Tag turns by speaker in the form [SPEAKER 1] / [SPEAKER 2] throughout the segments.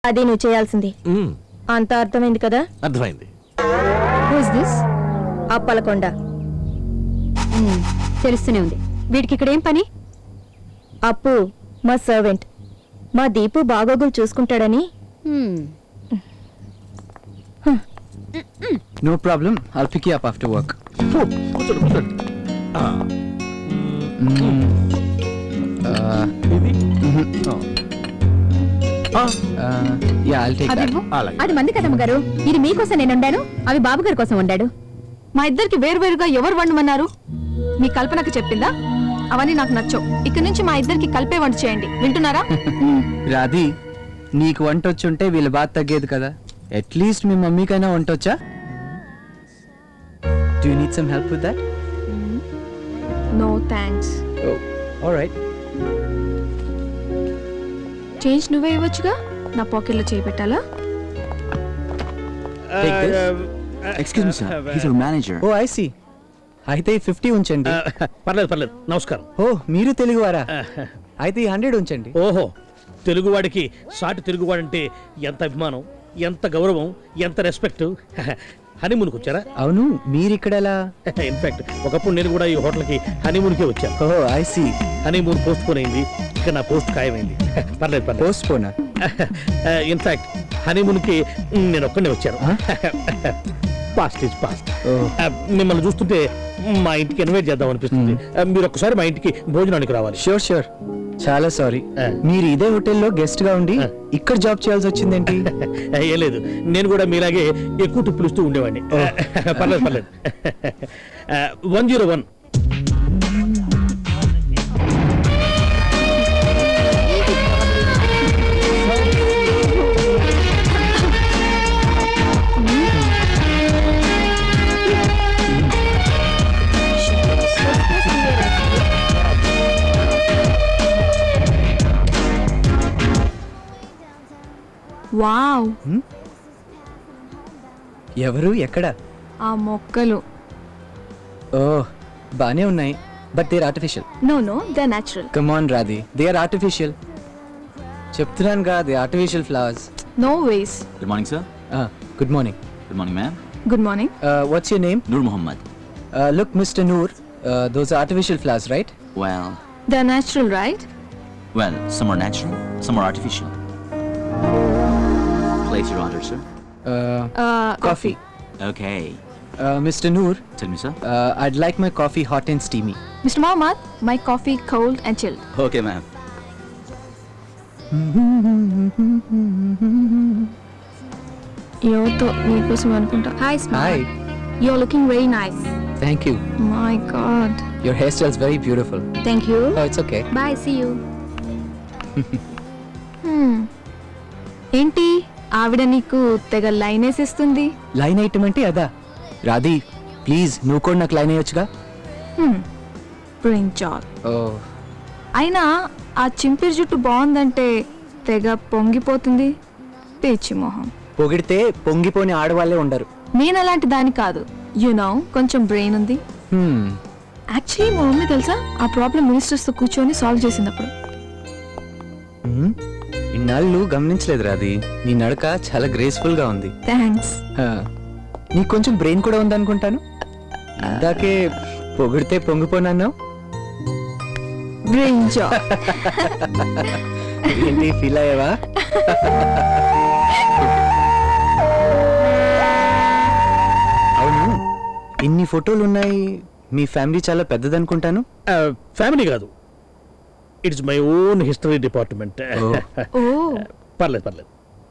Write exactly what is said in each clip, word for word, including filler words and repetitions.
[SPEAKER 1] అది నువ్వు చేయాల్సింది. అంత అర్థమైంది కదా?
[SPEAKER 2] అర్థమైంది.
[SPEAKER 1] అప్పలకొండ.
[SPEAKER 3] తెలుస్తూనే ఉంది. వీడికి ఇక్కడ ఏం పని?
[SPEAKER 1] అప్పు మా సర్వెంట్. మా దీపు బాగోగులు చూసుకుంటాడని.
[SPEAKER 4] No problem. I'll pick you up after work.
[SPEAKER 2] కూర్చోండి కూర్చోండి.
[SPEAKER 4] Mm. Uh,
[SPEAKER 2] ఇది
[SPEAKER 4] uh, yeah, I'll take that.
[SPEAKER 3] అదివ్వు.
[SPEAKER 2] అలాగే.
[SPEAKER 3] అది మంది కదమ్మ గారు. ఇది మీకోసం నేను వండాను, అవి బాబు గారి కోసం వండాడు. మా ఇద్దరికి వేరువేరుగా ఎవరు వండమన్నారు? మీ కల్పనకు చెప్పిందా? అవన్నీ నాకు నచ్చవు. ఇక్కడి నుంచి మా ఇద్దరికి కలిపే వంట చేయండి, వింటున్నారా?
[SPEAKER 4] రాధి, నీకు వంట వచ్చుంటే వీళ్ళ బాధ తగ్గేది కదా. అట్లీస్ట్ మీ మమ్మీకైనా వంట వచ్చా? Do you need some help with that?
[SPEAKER 1] No thanks.
[SPEAKER 4] Oh, all right.
[SPEAKER 1] Change నువ్వే ఇవ్వచ్చుగా, నా పాకెట్లో చేయి పెట్టాలా?
[SPEAKER 4] Take this.
[SPEAKER 5] Excuse me, sir. He's our manager.
[SPEAKER 4] Oh, I see. అయితే ఫిఫ్టీ ఉంచండి.
[SPEAKER 2] పర్లేదు పర్లేదు. నమస్కారం.
[SPEAKER 4] ఓ, మీరు తెలుగువారా? అయితే ఈ హండ్రెడ్ ఉంచండి.
[SPEAKER 2] ఓహో, తెలుగువాడికి సాటి తెలుగువాడంటే ఎంత అభిమానం, ఎంత గౌరవం, ఎంత రెస్పెక్ట్. హనీమూన్కి వచ్చారా?
[SPEAKER 4] అవును, మీరు ఇక్కడ ఎలా?
[SPEAKER 2] ఇన్ఫాక్ట్ ఒకప్పుడు నేను కూడా ఈ హోటల్కి హనీమూన్కే వచ్చాను.
[SPEAKER 4] Oh, I see.
[SPEAKER 2] Honeymoon postpone అయింది, ఇక్కడ నా పోస్ట్ ఖాయమైంది. పర్లేదు పర్లేదు.
[SPEAKER 4] పోస్ట్ పోనా?
[SPEAKER 2] ఇన్ఫాక్ట్ హనీమూన్కి నేను ఒక్కడే వచ్చాను. Past is past. మిమ్మల్ని చూస్తుంటే మా ఇంటికి ఇన్వైట్ చేద్దాం అనిపిస్తుంది. మీరు ఒక్కసారి మా ఇంటికి భోజనానికి రావాలి.
[SPEAKER 4] Sure sure. చాలా సారీ,
[SPEAKER 2] ఆ.
[SPEAKER 4] మీరు ఇదే హోటల్లో గెస్ట్ గా ఉండి
[SPEAKER 2] ఆ.
[SPEAKER 4] ఇక్కడ జాబ్ చేయాల్సి వచ్చిందేంటి?
[SPEAKER 2] ఏం లేదు, నేను కూడా మీలాగే ఎక్కువ టిప్పులు ఇస్తూ ఉండేవాడిని. పర్లేదు పర్లేదు. One zero one.
[SPEAKER 1] వావ్,
[SPEAKER 4] ఎవరు, ఎక్కడ?
[SPEAKER 1] ఆ మొక్కలు.
[SPEAKER 4] ఓ, బానే ఉన్నాయి, but they are artificial.
[SPEAKER 1] No no, they are natural.
[SPEAKER 4] Come on Radhi, they are artificial. చెప్తున్నాను కదా, they artificial flowers.
[SPEAKER 1] No ways.
[SPEAKER 5] Good morning, sir.
[SPEAKER 4] Good morning.
[SPEAKER 5] Good morning, ma'am.
[SPEAKER 1] Good morning.
[SPEAKER 4] What's your name?
[SPEAKER 5] Nur Muhammad.
[SPEAKER 4] Look mister Noor, those artificial flowers, right?
[SPEAKER 5] Well,
[SPEAKER 1] they are natural, right?
[SPEAKER 5] well, some are natural, some are artificial. Place your order, sir.
[SPEAKER 4] Coffee.
[SPEAKER 5] Okay.
[SPEAKER 4] Mister Noor,
[SPEAKER 5] Tell me, sir.
[SPEAKER 4] I'd like my coffee hot and steamy.
[SPEAKER 1] Mister Mohammad, my coffee cold and chilled.
[SPEAKER 5] Okay, ma'am.
[SPEAKER 1] యోతో నీకోసం అనుకుంటా. Hi
[SPEAKER 4] hi.
[SPEAKER 1] Smile. You are looking very nice.
[SPEAKER 4] Thank you.
[SPEAKER 1] My god.
[SPEAKER 4] Your hair style is very beautiful.
[SPEAKER 1] Thank you.
[SPEAKER 4] Oh, it's okay.
[SPEAKER 1] Bye, see you. ఏంటి ఆవిడ నీకు తెగ line వేసిస్తుంది?
[SPEAKER 4] Line item అంటే అదా? రాధి, please నువ్వు కూడా నాకు లైన్ అయ్యొచ్చుగా.
[SPEAKER 1] బ్రింజాల్.
[SPEAKER 4] ఓ,
[SPEAKER 1] అయినా ఆ చింపిరి జుట్టు బాగుందంటే తెగ పొంగిపోతుంది. పిచ్చి మొహం.
[SPEAKER 4] పొగిడితే పొంగిపోని ఆడవాళ్ళే ఉండరు.
[SPEAKER 1] నేను అలాంటి దాని కాదు. యు నో, కొంచెం బ్రెయిన్ ఉంది.
[SPEAKER 4] Hmm.
[SPEAKER 1] యాక్చువల్లీ మా మమ్మీ తెలుసా, ఆ ప్రాబ్లం మినిస్టర్స్ తో కూర్చొని సాల్వ్ చేసినప్పుడు.
[SPEAKER 4] Hmm? ఇన్నాళ్ళు గమనించలేదు రాధి, నీ నడక చాలా గ్రేస్ఫుల్ గా ఉంది.
[SPEAKER 1] థ్యాంక్స్.
[SPEAKER 4] హా. నీకు కొంచెం బ్రెయిన్ కూడా ఉందనుకుంటాను. ఇందాకే పొగిడితే పొంగిపోనన్నావు.
[SPEAKER 1] బ్రింజాల్.
[SPEAKER 4] ఏంటి ఫీల్ అయ్యావా? అవును, ఇన్ని ఫోటోలు ఉన్నాయి, మీ ఫ్యామిలీ చాలా పెద్దదనుకుంటాను.
[SPEAKER 2] ఫ్యామిలీ కాదు, it's my own history department.
[SPEAKER 1] ఓ,
[SPEAKER 2] పర్లేదు పర్లేదు.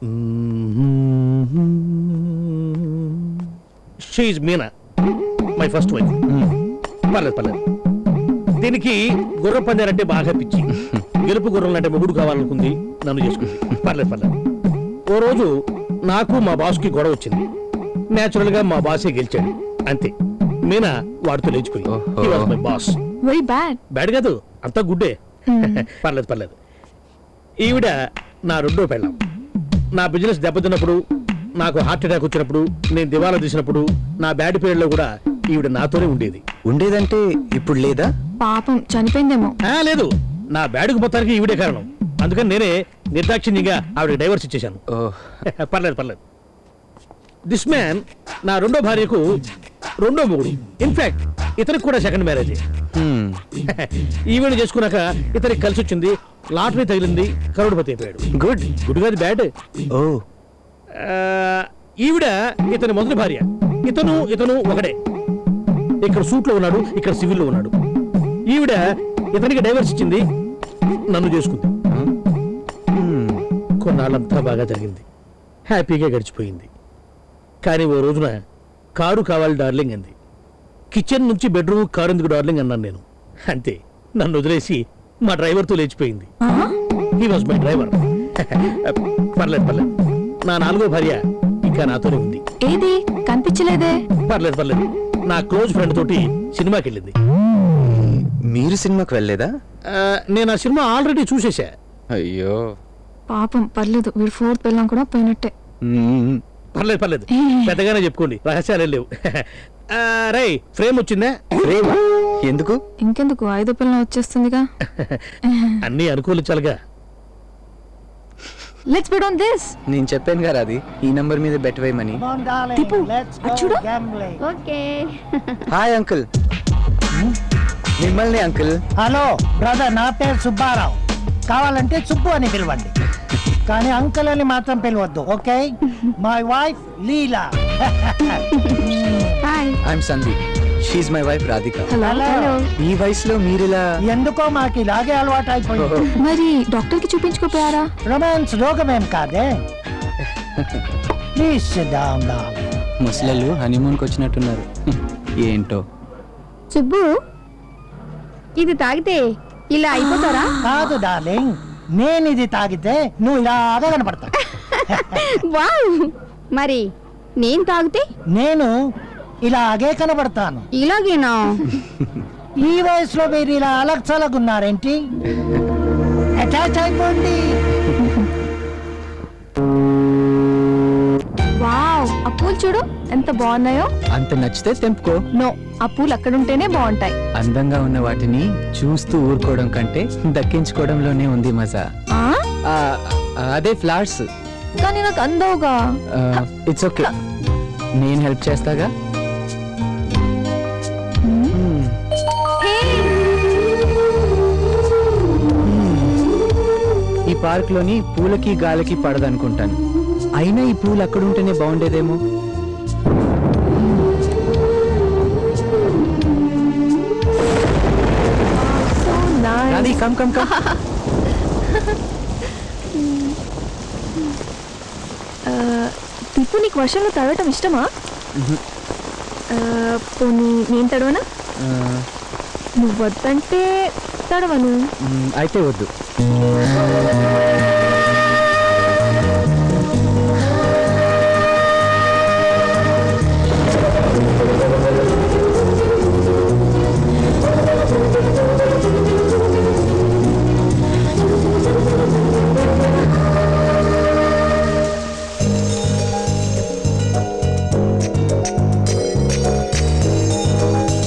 [SPEAKER 2] She is Meena, my first wife. పర్లేదు పర్లేదు. దీనికి గుర్రం పందాలంటే బాగా పిచ్చి. గెలుపు గుర్రం అంటే మొగుడు కావాలనుకుంది, నన్ను చేసుకుంది. పర్లేదు పర్లేదు. ఓ రోజు నాకు మా బాస్కి గొడవ వచ్చింది. న్యాచురల్ గా మా బాసే గెలిచాడు, అంతే. మీనా వాడితో లేచిపోయింది. He was my boss.
[SPEAKER 1] Very bad.
[SPEAKER 2] Bad కాదు, అంతా గుడ్డే. పర్లేదు పర్లేదు. ఈవిడ నా రెండో పెళ్ళాం. నా బిజినెస్ దెబ్బతిన్నప్పుడు, నాకు హార్ట్ అటాక్ వచ్చినప్పుడు, నేను దివాలా తీసినప్పుడు, నా బ్యాడ్ పీరియడ్ లో కూడా ఈవిడ నాతోనే ఉండేది.
[SPEAKER 4] ఉండేదంటే ఇప్పుడు లేదా?
[SPEAKER 1] పాపం చనిపోయిందేమో.
[SPEAKER 2] లేదు, నా బ్యాడ్కి మొత్తానికి ఈవిడే కారణం. అందుకని నేనే నిర్దాక్షిణ్యంగా ఆవిడ డైవర్స్ ఇచ్చేశాను.
[SPEAKER 4] ఓ
[SPEAKER 2] పర్లేదు పర్లేదు. దిస్ మ్యాన్ నా రెండో భార్యకు రెండో మొగుడు. ఇన్ఫాక్ట్ ఇతనికి కూడా సెకండ్ మ్యారేజ్.
[SPEAKER 4] హ్మ్.
[SPEAKER 2] ఈవెంట్ చేసుకున్నాక ఇతనికి కలిసి వచ్చింది, లాటరీ తగిలింది, కరోడ్పతి అయిపోయాడు.
[SPEAKER 4] గుడ్.
[SPEAKER 2] గుడ్ కాదు, బ్యాడ్.
[SPEAKER 4] ఓ
[SPEAKER 2] ఈవిడ ఇతని మొదటి భార్య. ఇతను ఇతను ఒకడే. ఇక్కడ సూట్ లో ఉన్నాడు, ఇక్కడ సివిల్ లో ఉన్నాడు. ఈవిడ ఇతనికి డైవర్స్ ఇచ్చింది, నన్ను చేసుకుంది.
[SPEAKER 4] హ్మ్.
[SPEAKER 2] కొన్నాళ్ళంతా బాగా జరిగింది, హ్యాపీగా గడిచిపోయింది. కానీ ఓ రోజున కారు కావాలి డార్లింగ్ అంది. కిచెన్ నుంచి బెడ్రూమ్ కారు ఎందుకు డార్లింగ్ అన్నాను నేను. అంతే, నన్ను వదిలేసి మా డ్రైవర్తో లేచిపోయింది. He was my driver. పర్లేదు పర్లేదు. నా నాలుగో భార్య ఇంకా నాతోనే ఉంది.
[SPEAKER 1] ఏది కనిపించలేదే?
[SPEAKER 2] పర్లేదు పర్లేదు. నా క్లోజ్ ఫ్రెండ్ తోటి సినిమాకి వెళ్ళింది.
[SPEAKER 4] మీరు సినిమాకి వెళ్ళలేదా?
[SPEAKER 2] ఆ, నేను ఆ సినిమా ఆల్రెడీ చూసేశా.
[SPEAKER 4] అయ్యో.
[SPEAKER 1] పాపం పర్లేదు, వీడు ఫోర్త్ పిల్లం కూడా పోయినట్టే.
[SPEAKER 4] హ్మ్.
[SPEAKER 2] పర్లేదు పర్లేదు, పెద్దగానే చెప్పుకోండి, రహస్యాలే లేవు. రై ఫ్రేమ్ వచ్చిందా?
[SPEAKER 4] ప్రేమ ఎందుకు?
[SPEAKER 1] ఇంకెందుకు, ఐదో పిల్లం వచ్చేస్తుందిగా.
[SPEAKER 2] అన్నీ అనుకూలించాలిగా.
[SPEAKER 1] Let's bet on this.
[SPEAKER 4] నేను చెప్పాను కదా అది ఈ నంబర్ మీద బెట్ వేయమని.
[SPEAKER 1] తిప్పు, అది చూడు.
[SPEAKER 3] ఓకే.
[SPEAKER 4] Hi uncle. మిమ్మల్ని అంకుల్.
[SPEAKER 6] హలో బ్రదర్, నా పేరు సుబ్బారావు. కావాలంటే సుబ్బు అని పిలవండి, కానీ అంకుల్ అని మాత్రం పిలవద్దు, okay? My wife Leela.
[SPEAKER 3] Hi.
[SPEAKER 4] I'm Sandeep. She's my wife Radhika.
[SPEAKER 1] Hello.
[SPEAKER 3] Hello.
[SPEAKER 4] ఈ వయసులో మీరిలా?
[SPEAKER 6] ఎందుకో మాకు ఇలాగే అలవాటు అయిపోయింది.
[SPEAKER 1] మరి డాక్టర్ కి చూపించుకోపోయారా?
[SPEAKER 6] రొమాన్స్ రోగమేం కాదే. Please sit down darling.
[SPEAKER 4] ముసలళ్ళు హనీమూన్కి వచ్చినట్టున్నారు. ఏంటో.
[SPEAKER 3] సుబ్బు, ఇది తాగితే ఇలా అయిపోతారా?
[SPEAKER 6] కాదు డార్లింగ్, నేను ఇది తాగితే నువ్వు ఇలాగా కనపడతా.
[SPEAKER 3] వావ్. మరి నేను తాగితే
[SPEAKER 6] నేను ఇలాగే కనబడతాను.
[SPEAKER 3] ఇలాగేనా?
[SPEAKER 6] ఈ వయసులో మీరు ఇలా అలక్సలగున్నారేంటి? అటాచ్ అయిపోండి.
[SPEAKER 1] వావ్, ఆ పూలు చూడు ఎంత బాగున్నాయో.
[SPEAKER 4] అంత నచ్చితే తెంపుకో.
[SPEAKER 1] నో, ఆ పూలు అక్కడుంటేనే బాగుంటాయి.
[SPEAKER 4] అందంగా ఉన్న వాటిని చూస్తూ ఊరుకోవడం కంటే దక్కించుకోవడంలోనే ఉంది మజా.
[SPEAKER 1] ఆ?
[SPEAKER 4] ఆ, అదే ఫ్లవర్స్.
[SPEAKER 1] కానీ నాకు అందవుగా.
[SPEAKER 4] ఇట్స్ ఓకే, నేను హెల్ప్ చేస్తాగా. Hmm. ఈ పార్క్ లోని పూలకి గాలికి పడదనుకుంటాను. అయినా ఈ పూలు అక్కడ ఉంటేనే బాగుండేదేమో.
[SPEAKER 1] So nice.
[SPEAKER 4] Radhi, come come come.
[SPEAKER 1] ఆ, తిప్పు, నీకు వర్షంలో తడవటం ఇష్టమా? ఆ, పోనీ నేను తడవనా? నువ్వు వద్దంటే తడవను.
[SPEAKER 4] అయితే వద్దు.